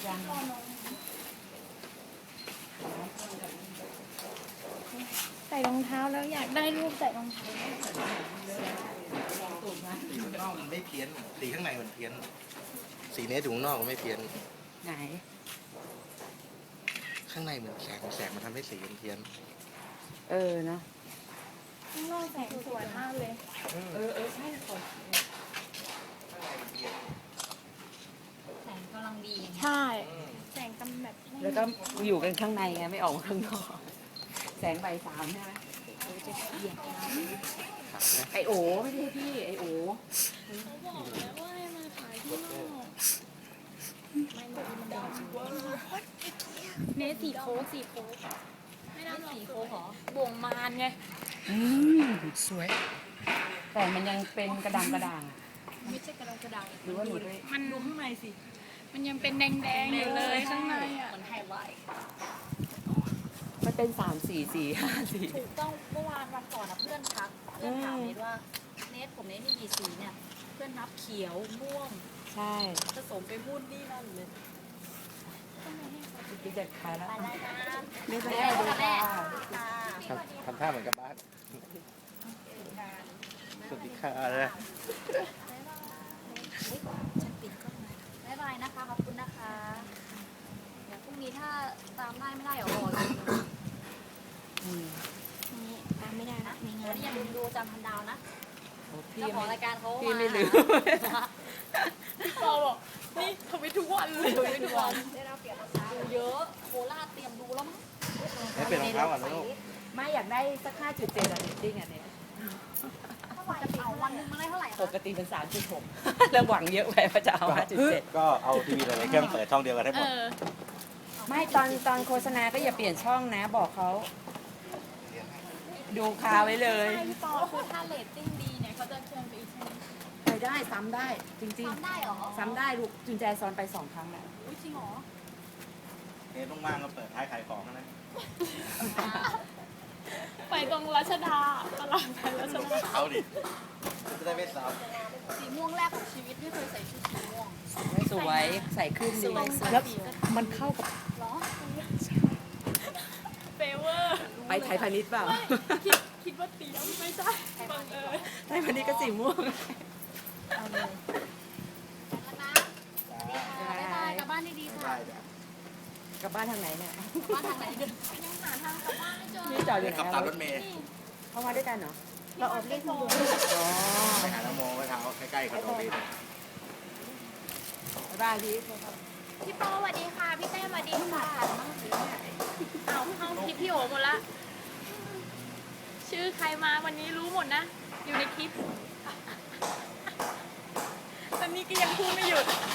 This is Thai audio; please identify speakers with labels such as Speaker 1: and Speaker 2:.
Speaker 1: ยัง
Speaker 2: ใส่รองเท้าแล้วอยากได้รูปใส่รองเท้า
Speaker 3: สีข้างนอกมันไม่เพี้ยนสีข้างในมันเพี้ยนสีนี้อยู่ข้างนอกมันไม่เพี้ยน
Speaker 1: ไหน
Speaker 3: ข้างในเหมือนแสงมันทำให้สีมันเพี้ยน
Speaker 1: เนาะ
Speaker 2: ข้างนอกแสงสวยมากเลย
Speaker 1: ใช่ขอ
Speaker 4: แสงกำลังดี
Speaker 2: ใช่แสงกำแบบ
Speaker 1: แล้วก็อยู่กันข้างในไงไม่ออกมาข้างนอกแสงใบสามใช่ไหมไอโอไม่ใช่พี่ไอโอ
Speaker 2: เขาบอกแล้วว่าให้มาขายที่นอกเนสสีโค้กไม่ได้สีโค้กหรอบ่วงมารไง
Speaker 1: สวย แต่มันยังเป็นกระดังกระด่าง
Speaker 2: ไม่ใช่กระดาษ
Speaker 1: หรือว่าหนูด้วย
Speaker 2: มันดูข้างในสิมันยังเป็นแดงๆอยู่เลยข้างในอ่ะ
Speaker 4: เหมือนไฮไลท์
Speaker 1: มันเป็น3 4 4 5 สี
Speaker 4: ถูกต้องเมื่อวันก่อนเพื่อนทักเพื่อนถามเนทว่าเนทผมเนทมีกี่สีเนี่ยเพื่อนนับเขียวม่วง
Speaker 1: ใช่
Speaker 4: ผสมไปวุ่นนี่นั่นเลย
Speaker 1: พี่จะขายแล้ว
Speaker 4: ไปได้นะ
Speaker 1: ไม่เป็น
Speaker 4: แม่
Speaker 1: ไร
Speaker 4: ดู
Speaker 1: ดู
Speaker 4: แม่
Speaker 1: ค่ะ
Speaker 3: ทำท่าเหมือนกับบ้านสวัสดีค่ะนะ
Speaker 4: ฉันปิดกล้องเลยบ๊ายบายนะคะขอบคุณนะคะเดี๋ยวพรุ่งนี้ถ้าตามได้ไม่ได้เดี๋ยวรอเลย
Speaker 2: นี่ตามไม่ได้นะมีงา
Speaker 4: วัน นนี้ยังดูจำพันดาวนะ
Speaker 1: พี่
Speaker 4: เจ้าของรายการเขา
Speaker 1: พี่ไม่ลืม
Speaker 2: ปอบอกนี่ทำไปทุกวันเลย
Speaker 4: ไปดูวันได้รับเปลี่ยนรองเท้าเยอะโคราชเตรียมดูแล้วมั้ง
Speaker 3: ให้เปลี่ยนรองเท้าก่อนนะลูก
Speaker 1: ไม่อยากได้สัก5.7อะจริงๆอ่ะเนี่ย
Speaker 4: เท่าไหร่เอาวันหนึงมาได้เท่าไหร่
Speaker 1: ป
Speaker 4: คะ
Speaker 1: กติเป็น3.6แล้วหวังเยอะไปว่าจะเอา5.7
Speaker 3: ก็เอาทีวีหลายๆเครื่องเปิดช่องเดียวกันให้หมด
Speaker 1: ไม่ตอนโฆษณาก็อย่าเปลี่ยนช่องนะบอกเขาดูคาไว้เลย
Speaker 2: ใช่พี่ปอคือถ้าเรตติ้งดีเนี่ยเขาจะเชิญไปอีกใช่ไหม
Speaker 1: ไปได้ซ้ำได้จริง
Speaker 4: ทำได้เหรอ
Speaker 1: ๆซ้ำได้ลูกจุนแจซ้อนไป2 ครั้งแล้ว
Speaker 2: อุ้ยจริงเหรอ
Speaker 3: เนี่ยต้องว่างก็เปิดท้ายขายของนะ
Speaker 2: ไปตรงรัชดาตลาดไทยรัช
Speaker 3: รอง
Speaker 2: ดา
Speaker 3: เท้าดิจะได้ไม่ซ้ำ
Speaker 4: สีม่วงแรกของชีวิตไม่เคยใส่ชุดสีม่วง
Speaker 1: สวยใส่ขึ้นดีแล้วมันเข้ากับ
Speaker 4: เหรอ
Speaker 2: เฟเวอร์
Speaker 1: ไปไทยพาณิชย์เปล่า
Speaker 2: คิดว่าเตรียมไม่ใช่บังเอิญ
Speaker 1: ไทยพาณิชย์ก็สีม่วง
Speaker 4: เอาเลยแล้วนะบ๊ายบายกลับบ้านดีๆค่ะ
Speaker 3: ได้จ้ะ
Speaker 1: กลับบ้านทางไหนเนี่ย
Speaker 4: บ้านทางไหนเดิน
Speaker 2: ยังหาทางกลับบ้านไม่เจอ
Speaker 1: นี่จอดอยู่ไหน
Speaker 3: ขับตามรถเมย์
Speaker 1: เข้ามาด้วยกันเหรอ
Speaker 2: เราออกเล่นโม
Speaker 1: อ๋อ
Speaker 3: ไปหาน้ำโมไว้เท้าใกล้ๆคอนโดพี่
Speaker 1: บ๊ายบายพี่
Speaker 2: พี่ปอสวัสดีค่ะพี่เต้สวัสดีค่ะเอาเข้าคลิปพี่โอหมดละชื่อใครมาวันนี้รู้หมดนะ อยู่ในคลิปตอนนี้ก็ยังพูดไม่หยุด